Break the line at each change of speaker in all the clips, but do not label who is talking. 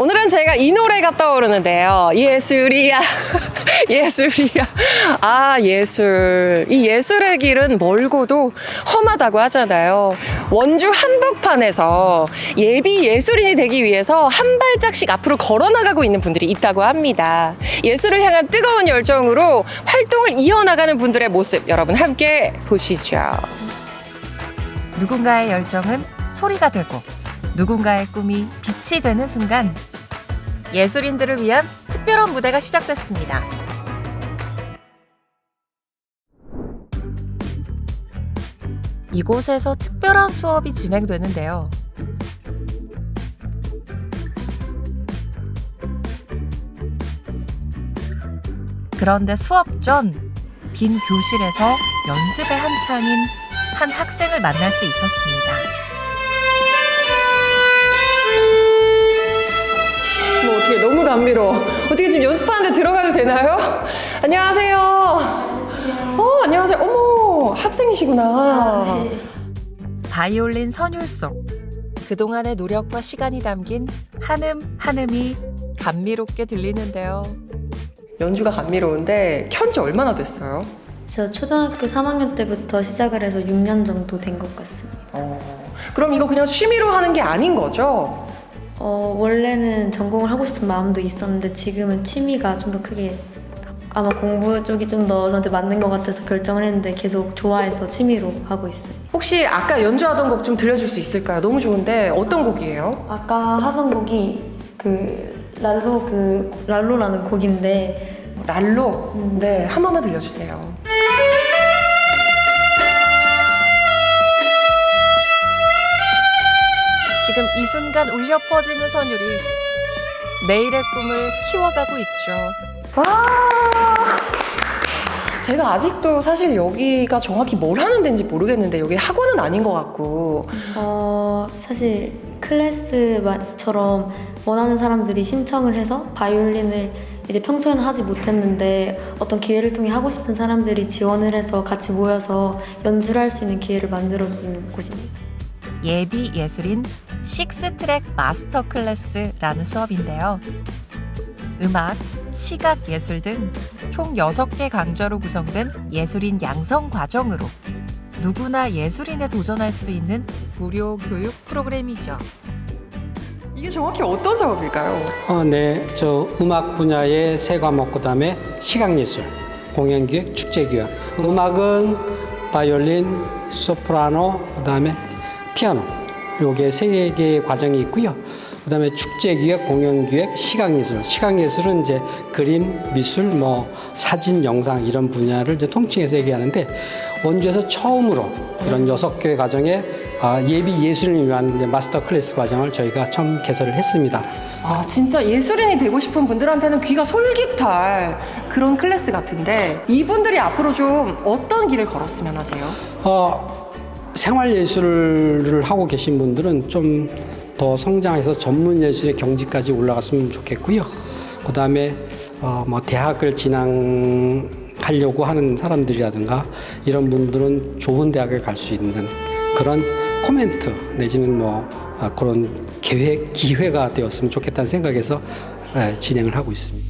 오늘은 제가 이 노래가 떠오르는데요. 예술이야. 예술이야. 아, 예술. 이 예술의 길은 멀고도 험하다고 하잖아요. 원주 한복판에서 예비 예술인이 되기 위해서 한 발짝씩 앞으로 걸어나가고 있는 분들이 있다고 합니다. 예술을 향한 뜨거운 열정으로 활동을 이어나가는 분들의 모습 여러분 함께 보시죠.
누군가의 열정은 소리가 되고 누군가의 꿈이 빛이 되는 순간 예술인들을 위한 특별한 무대가 시작됐습니다. 이곳에서 특별한 수업이 진행되는데요. 그런데 수업 전 빈 교실에서 연습에 한창인 한 학생을 만날 수 있었습니다.
뭐 어떻게 너무 감미로워. 어떻게 지금 연습하는데 들어가도 되나요? 안녕하세요. 안녕하세요. 어머, 학생이시구나.
바이올린 선율송. 그동안의 노력과 시간이 담긴 한음 한음이 감미롭게 들리는데요.
연주가 감미로운데 켠지 얼마나 됐어요?
저 초등학교 3학년 때부터 시작을 해서 6년 정도 된 것 같습니다.
그럼 이거 그냥 취미로 하는 게 아닌 거죠?
원래는 전공을 하고 싶은 마음도 있었는데 지금은 취미가 좀 더 크게 아마 공부 쪽이 좀 더 저한테 맞는 것 같아서 결정을 했는데 계속 좋아해서 취미로 하고 있어요.
혹시 아까 연주하던 곡 좀 들려줄 수 있을까요? 너무 좋은데 어떤 곡이에요?
아까 하던 곡이 랄로라는 곡인데
랄로? 네, 한 번만 들려주세요.
지금 이 순간 울려 퍼지는 선율이 내일의 꿈을 키워가고 있죠.
와! 제가 아직도 사실 여기가 정확히 뭘 하는 데인지 모르겠는데 여기 학원은 아닌 것 같고
사실 클래스처럼 원하는 사람들이 신청을 해서 바이올린을 이제 평소에는 하지 못했는데 어떤 기회를 통해 하고 싶은 사람들이 지원을 해서 같이 모여서 연주를 할 수 있는 기회를 만들어주는 곳입니다.
예비 예술인 6트랙 마스터 클래스라는 수업인데요. 음악, 시각 예술 등 총 6개 강좌로 구성된 예술인 양성 과정으로 누구나 예술인에 도전할 수 있는 무료 교육 프로그램이죠.
이게 정확히 어떤 작업일까요?
네, 저 음악 분야의 세 과목 그다음에 시각예술, 공연기획, 축제기획. 음악은 바이올린, 소프라노, 그다음에 피아노. 요게 세 개의 과정이 있고요. 그다음에 축제기획, 공연기획, 시각예술. 시각예술은 이제 그림, 미술, 사진, 영상 이런 분야를 이제 통칭해서 얘기하는데 원주에서 처음으로 이런 6개의 과정에 예비 예술인을 위한 이제 마스터 클래스 과정을 저희가 처음 개설을 했습니다.
아, 진짜 예술인이 되고 싶은 분들한테는 귀가 솔깃할 그런 클래스 같은데 이분들이 앞으로 좀 어떤 길을 걸었으면 하세요?
생활예술을 하고 계신 분들은 좀 더 성장해서 전문예술의 경지까지 올라갔으면 좋겠고요. 그 다음에 대학을 진학하려고 하는 사람들이라든가 이런 분들은 좋은 대학을 갈 수 있는 그런 코멘트 내지는 그런 기회가 되었으면 좋겠다는 생각에서 진행을 하고 있습니다.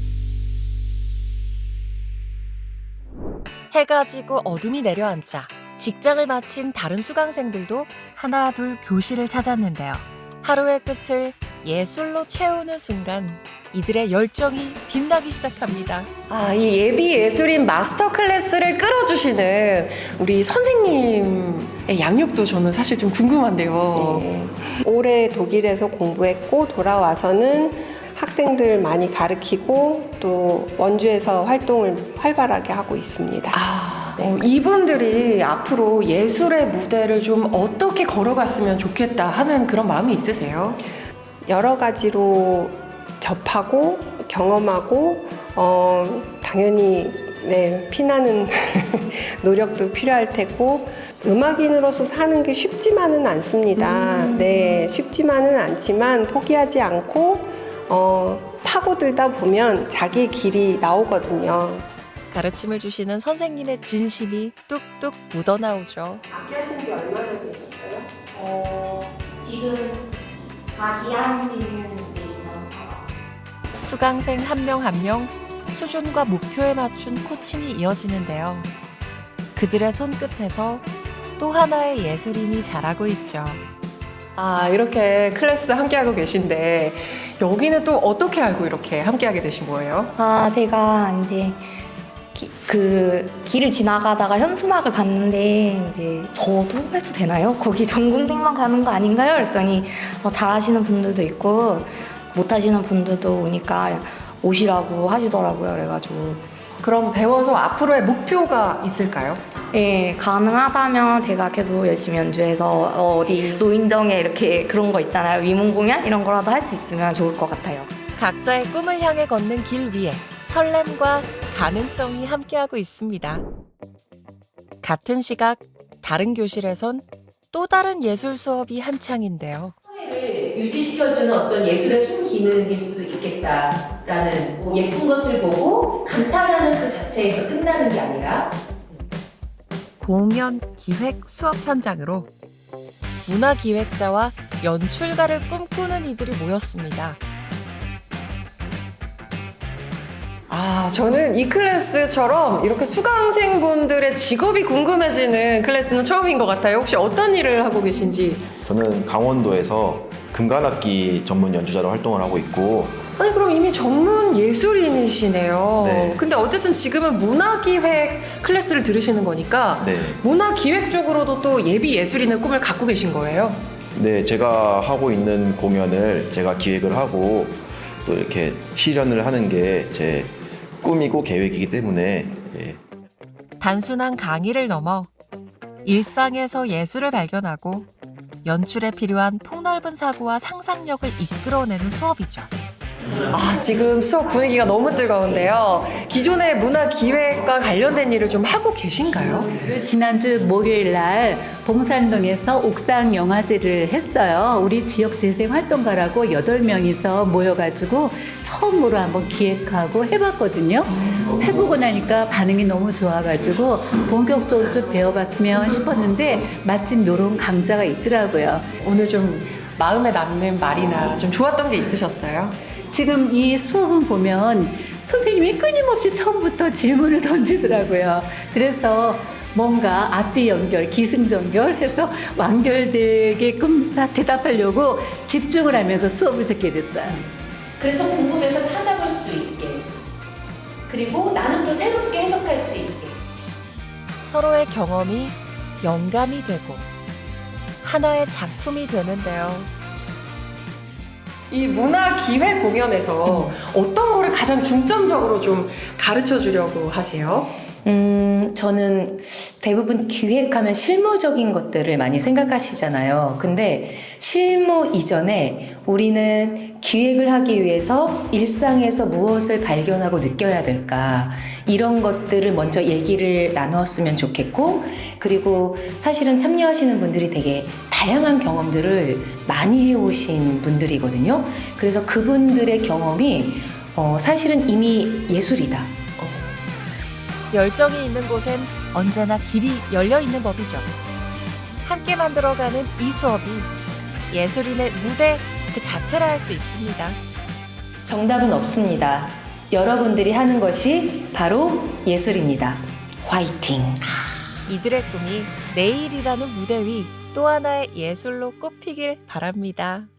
해가 지고 어둠이 내려앉자 직장을 마친 다른 수강생들도 하나 둘 교실을 찾았는데요. 하루의 끝을 예술로 채우는 순간 이들의 열정이 빛나기 시작합니다.
아, 이 예비 예술인 마스터 클래스를 끌어주시는 우리 선생님의 양육도 저는 사실 좀 궁금한데요.
네. 올해 독일에서 공부했고 돌아와서는 학생들 많이 가르치고 또 원주에서 활동을 활발하게 하고 있습니다. 네.
이분들이 앞으로 예술의 무대를 좀 어떻게 걸어갔으면 좋겠다 하는 그런 마음이 있으세요?
여러 가지로 접하고 경험하고 당연히 피나는 노력도 필요할 테고 음악인으로서 사는 게 쉽지만은 않습니다. 쉽지만은 않지만 포기하지 않고 파고들다 보면 자기 길이 나오거든요.
가르침을 주시는 선생님의 진심이 뚝뚝 묻어나오죠.
악기 하신 지 얼마나 되셨어요?
지금 다시 한 지는 이제 2년 차.
수강생 한 명 한 명 수준과 목표에 맞춘 코칭이 이어지는데요. 그들의 손끝에서 또 하나의 예술인이 자라고 있죠.
아, 이렇게 클래스 함께하고 계신데 여기는 또 어떻게 알고 이렇게 함께하게 되신 거예요?
제가 이제 그 길을 지나가다가 현수막을 봤는데 이제 저도 해도 되나요? 거기 전공생만 가는 거 아닌가요? 그랬더니 잘하시는 분들도 있고 못하시는 분들도 오니까 오시라고 하시더라고요. 그래가지고
그럼 배워서 앞으로의 목표가 있을까요?
예, 가능하다면 제가 계속 열심히 연주해서 어디 노인정에 이렇게 그런 거 있잖아요. 위문 공연 이런 거라도 할 수 있으면 좋을 것 같아요.
각자의 꿈을 향해 걷는 길 위에 설렘과 가능성이 함께하고 있습니다. 같은 시각 다른 교실에선 또 다른 예술 수업이 한창인데요.
사회를 유지시켜주는 어떤 예술의 순기능일 수도 있겠다라는 예쁜 것을 보고 감탄하는 그 자체에서 끝나는 게 아니라
공연 기획 수업 현장으로 문화기획자와 연출가를 꿈꾸는 이들이 모였습니다.
아, 저는 이 클래스처럼 이렇게 수강생분들의 직업이 궁금해지는 클래스는 처음인 것 같아요. 혹시 어떤 일을 하고 계신지?
저는 강원도에서 금관악기 전문 연주자로 활동을 하고 있고
아니, 그럼 이미 전문 예술인이시네요.
네.
근데 어쨌든 지금은 문화기획 클래스를 들으시는 거니까
네.
문화기획 쪽으로도 또 예비 예술인의 꿈을 갖고 계신 거예요?
네, 제가 하고 있는 공연을 제가 기획을 하고 또 이렇게 실현을 하는 게 제 꿈이고 계획이기 때문에
단순한 강의를 넘어 일상에서 예술을 발견하고 연출에 필요한 폭넓은 사고와 상상력을 이끌어내는 수업이죠.
아, 지금 수업 분위기가 너무 뜨거운데요. 기존의 문화기획과 관련된 일을 좀 하고 계신가요?
지난주 목요일 날 봉산동에서 옥상 영화제를 했어요. 우리 지역 재생 활동가라고 8명이서 모여가지고 처음으로 한번 기획하고 해봤거든요. 해보고 나니까 반응이 너무 좋아가지고 본격적으로 좀 배워봤으면 싶었는데 마침 이런 강좌가 있더라고요.
오늘 좀 마음에 남는 말이나 좀 좋았던 게 있으셨어요?
지금 이 수업은 보면 선생님이 끊임없이 처음부터 질문을 던지더라고요. 그래서 뭔가 앞뒤 연결, 기승전결 해서 완결되게끔 다 대답하려고 집중을 하면서 수업을 듣게 됐어요.
그래서 궁금해서 찾아볼 수 있게 그리고 나는 또 새롭게 해석할 수 있게
서로의 경험이 영감이 되고 하나의 작품이 되는데요.
이 문화기획 공연에서 어떤 거를 가장 중점적으로 좀 가르쳐 주려고 하세요?
저는 대부분 기획하면 실무적인 것들을 많이 생각하시잖아요. 근데 실무 이전에 우리는 기획을 하기 위해서 일상에서 무엇을 발견하고 느껴야 될까 이런 것들을 먼저 얘기를 나누었으면 좋겠고 그리고 사실은 참여하시는 분들이 되게 다양한 경험들을 많이 해오신 분들이거든요. 그래서 그분들의 경험이 사실은 이미 예술이다.
열정이 있는 곳엔 언제나 길이 열려 있는 법이죠. 함께 만들어가는 이 수업이 예술인의 무대 그 자체라 할 수 있습니다.
정답은 없습니다. 여러분들이 하는 것이 바로 예술입니다. 화이팅!
이들의 꿈이 내일이라는 무대 위 또 하나의 예술로 꼽히길 바랍니다.